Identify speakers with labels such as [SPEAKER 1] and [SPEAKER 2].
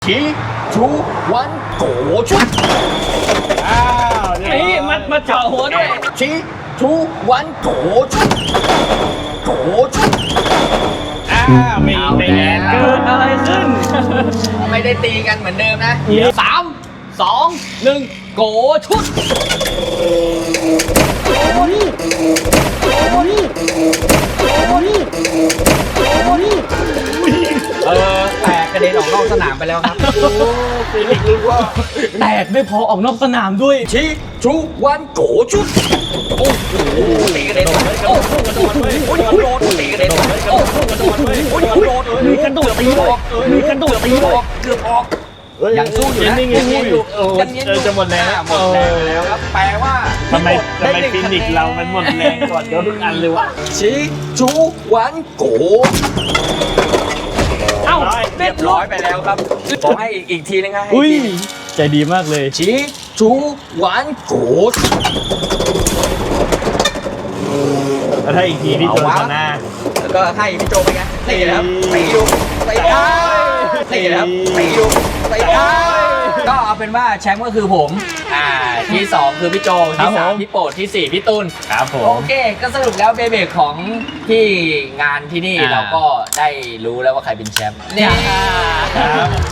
[SPEAKER 1] ทีชูวันโกชุด
[SPEAKER 2] นี่มาเจาะหัวด้วย
[SPEAKER 1] ทีชูวันโกชุดโกชุด
[SPEAKER 2] ไม่แน่เกิดอะไรขึ้น
[SPEAKER 1] ไม่ได้ตีกันเหมือนเดิมนะ3 2 1โกชุดแตกกระเด็นออกนอกสนามไปแล้วครับ
[SPEAKER 2] แตกไม่พอออกนอกสนามด้วย
[SPEAKER 1] ทีชูวันโกชุดโอ้โหตีกระเด็นโอ้โหกระโดดเลยโดดตีกระเด็นโอ้โหกระโดดเลยโดด
[SPEAKER 2] มีกระโดดตีออกมีกระโดดตีออก
[SPEAKER 1] เกือบออกยังสู้อยู่นะ
[SPEAKER 2] ยังอยู่จะหมดแล้ว
[SPEAKER 1] หมดแรงแล้วครับแปลว่า
[SPEAKER 2] ทำไมฟินิกเรามันหมดแรงก่อนเดี๋ยวทุกอันเลยวะ
[SPEAKER 1] ชีชูวันโกเรียบร้อยไปแล้วครับขอให้อีกทีนึงครับ
[SPEAKER 2] อุ้ยใจดีมากเลย
[SPEAKER 1] ชีชูวันโก
[SPEAKER 2] แล้วถ้าอีกทีพี่โจชนะ
[SPEAKER 1] แล้วก็ให้พี่โจไปไงตีครับตีอยู่ตีได้ตีครับตีอยู่ตีได้ก็เอาเป็นว่าแชมป์ก็คือผมที่2คือพี่โจที่3พี่โปรดที่4พี่ตุล
[SPEAKER 2] ครับผม
[SPEAKER 1] โอเคก็สรุปแล้วเบๆของที่งานที่นี่เราก็ได้รู้แล้วว่าใครเป็นแชมป์เนี่ย